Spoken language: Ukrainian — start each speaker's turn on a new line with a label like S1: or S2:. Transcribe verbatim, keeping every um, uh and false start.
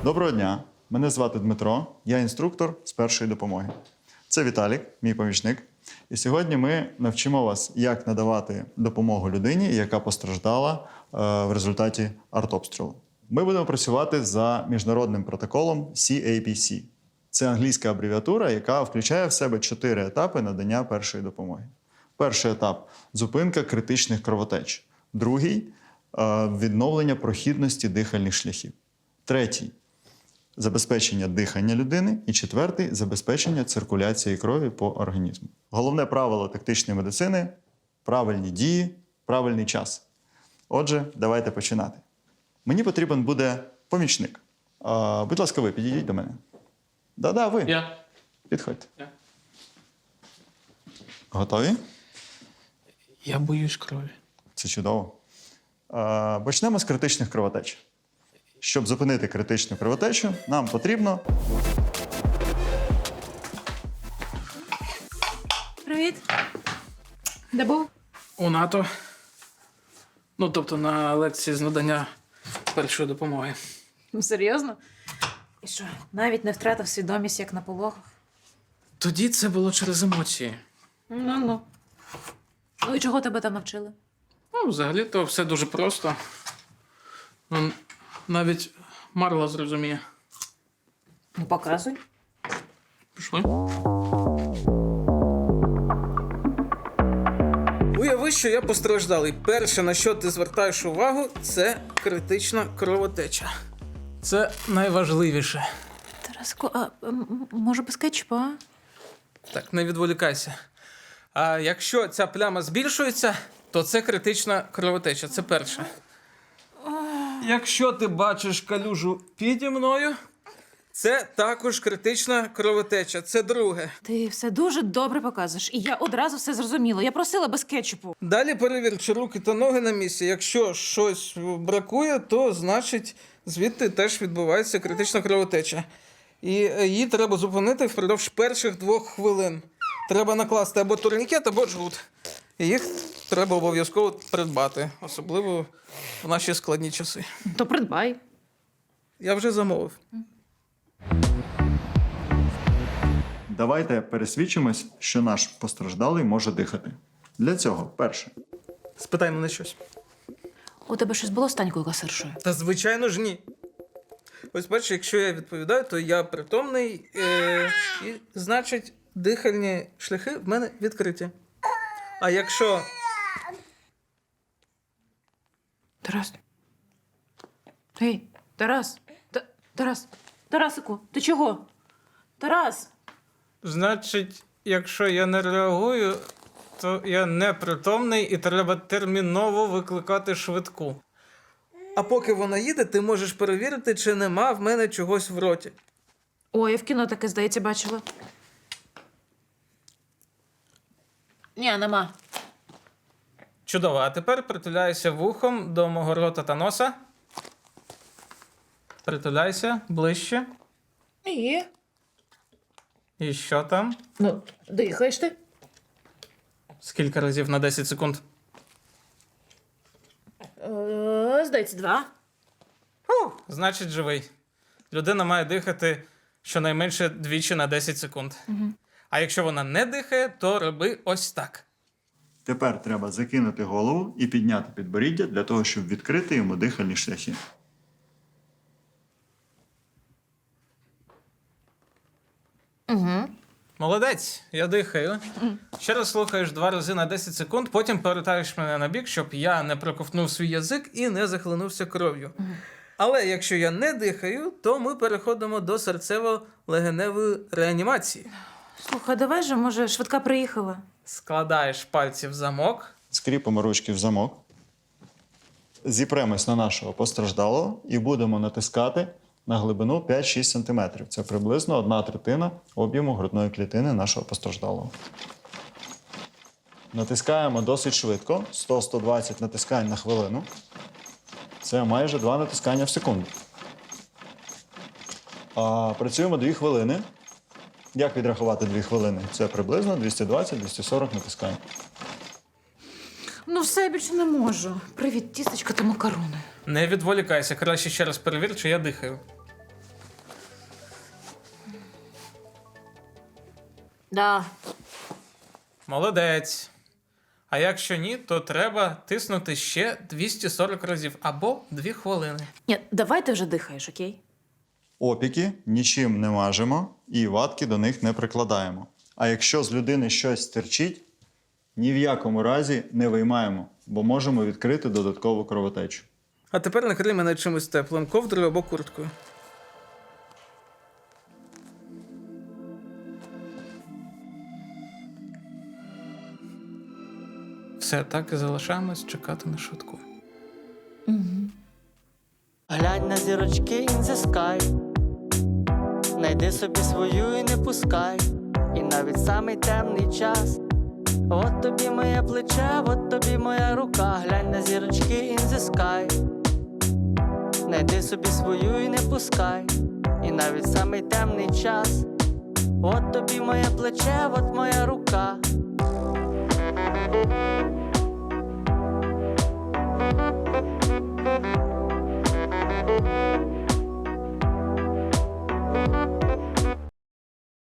S1: Доброго дня, мене звати Дмитро, я інструктор з першої допомоги. Це Віталік, мій помічник. І сьогодні ми навчимо вас, як надавати допомогу людині, яка постраждала е, в результаті артобстрілу. Ми будемо працювати за міжнародним протоколом сі ей пі сі. Це англійська абревіатура, яка включає в себе чотири етапи надання першої допомоги. Перший етап – зупинка критичних кровотеч. Другий – відновлення прохідності дихальних шляхів. Третій – забезпечення дихання людини. І четвертий – забезпечення циркуляції крові по організму. Головне правило тактичної медицини – правильні дії, правильний час. Отже, давайте починати. Мені потрібен буде помічник. А, будь ласка, ви підійдіть до мене. Да-да, ви.
S2: Я.
S1: Підходьте.
S2: Я.
S1: Готові?
S2: Я боюсь крові.
S1: Це чудово. А, почнемо з критичних кровотеч. Щоб зупинити критичну кровотечу, нам потрібно...
S3: Привіт. Де був?
S2: У НАТО. Ну, тобто на лекції з надання першої допомоги.
S3: Ну, серйозно? І що, навіть не втратив свідомість, як на пологах?
S2: Тоді це було через емоції.
S3: Ну-ну. Ну і чого тебе там навчили?
S2: Ну, взагалі-то все дуже просто. Ну, навіть Марла зрозуміє.
S3: Ну, показуй.
S2: Пішли. Уяви, що я постраждалий. Перше, на що ти звертаєш увагу, це критична кровотеча. Це найважливіше.
S3: Тараско, а м- може без кетчупа, а?
S2: Так, не відволікайся. А якщо ця пляма збільшується, то це критична кровотеча. Це перше. Якщо ти бачиш калюжу піді мною, це також критична кровотеча. Це друге.
S3: Ти все дуже добре показуєш, і я одразу все зрозуміла. Я просила без кетчупу.
S2: Далі перевір, чи руки та ноги на місці. Якщо щось бракує, то значить звідти теж відбувається критична кровотеча. І її треба зупинити впродовж перших двох хвилин. Треба накласти або турнікет, або джгут. І їх треба обов'язково придбати, особливо в наші складні часи.
S3: То придбай.
S2: Я вже замовив.
S1: Давайте пересвідчимось, що наш постраждалий може дихати. Для цього, перше,
S2: Спитай мене щось.
S3: У тебе щось було з Танькою касиршою?
S2: Та звичайно ж ні. Ось бачиш, якщо я відповідаю, то я притомний, е- і значить дихальні шляхи в мене відкриті. А якщо...
S3: Тарас. Ей, Тарас. Та- Тарас. Тарасику, ти чого? Тарас.
S2: Значить, якщо я не реагую, то я непритомний і треба терміново викликати швидку. А поки вона їде, ти можеш перевірити, чи нема в мене чогось в роті.
S3: Ой, я в кіно таке, здається, бачила. Ні, нема.
S2: Чудово, а тепер притуляйся вухом до мого рота та носа. Притуляйся ближче.
S3: Ні.
S2: І що там?
S3: Ну, дихаєш ти?
S2: Скільки разів на десять секунд?
S3: Е, здається, два.
S2: Значить, живий. Людина має дихати щонайменше двічі на десять секунд. Угу. А якщо вона не дихає, то роби ось так.
S1: тепер треба закинути голову і підняти підборіддя для того, щоб відкрити йому дихальні шляхи.
S3: Угу.
S2: Молодець, я дихаю. Ще раз слухаєш два рази на десять секунд, потім повертаєш мене на бік, щоб я не проковтнув свій язик і не захлинувся кров'ю. Але якщо я не дихаю, то ми переходимо до серцево-легеневої реанімації.
S3: Слухай, давай же, може, швидка приїхала.
S2: Складаєш пальці в замок.
S1: Скріпимо ручки в замок. Зіпремось на нашого постраждалого і будемо натискати на глибину п'ять-шість сантиметрів. Це приблизно одна третина об'єму грудної клітини нашого постраждалого. Натискаємо досить швидко. сто-сто двадцять натискань на хвилину. Це майже два натискання в секунду. А, працюємо дві хвилини. Як відрахувати дві хвилини? Це приблизно двісті двадцять-двісті сорок натискань.
S3: Ну все, я більше не можу. Привіт, тістечка та макарони.
S2: Не відволікайся, краще ще раз перевір, чи я дихаю.
S3: Да.
S2: Молодець. А якщо ні, то треба тиснути ще двісті сорок разів або дві хвилини.
S3: Ні, давай ти вже дихаєш, окей?
S1: Опіки нічим не мажемо і ватки до них не прикладаємо. А якщо з людини щось стирчить, ні в якому разі не виймаємо, бо можемо відкрити додаткову кровотечу.
S2: А тепер накрий мене чимось теплим, ковдрою або курткою. Все, так і залишаємось чекати на швидку.
S4: Глянь на зірочки in the sky. Найди собі свою і не пускай. І навіть самий темний час. От тобі моє плече, от тобі моя рука. Глянь на зірочки in the sky. Найди собі свою і не пускай. І навіть самий темний час. От тобі моє плече, от моя рука.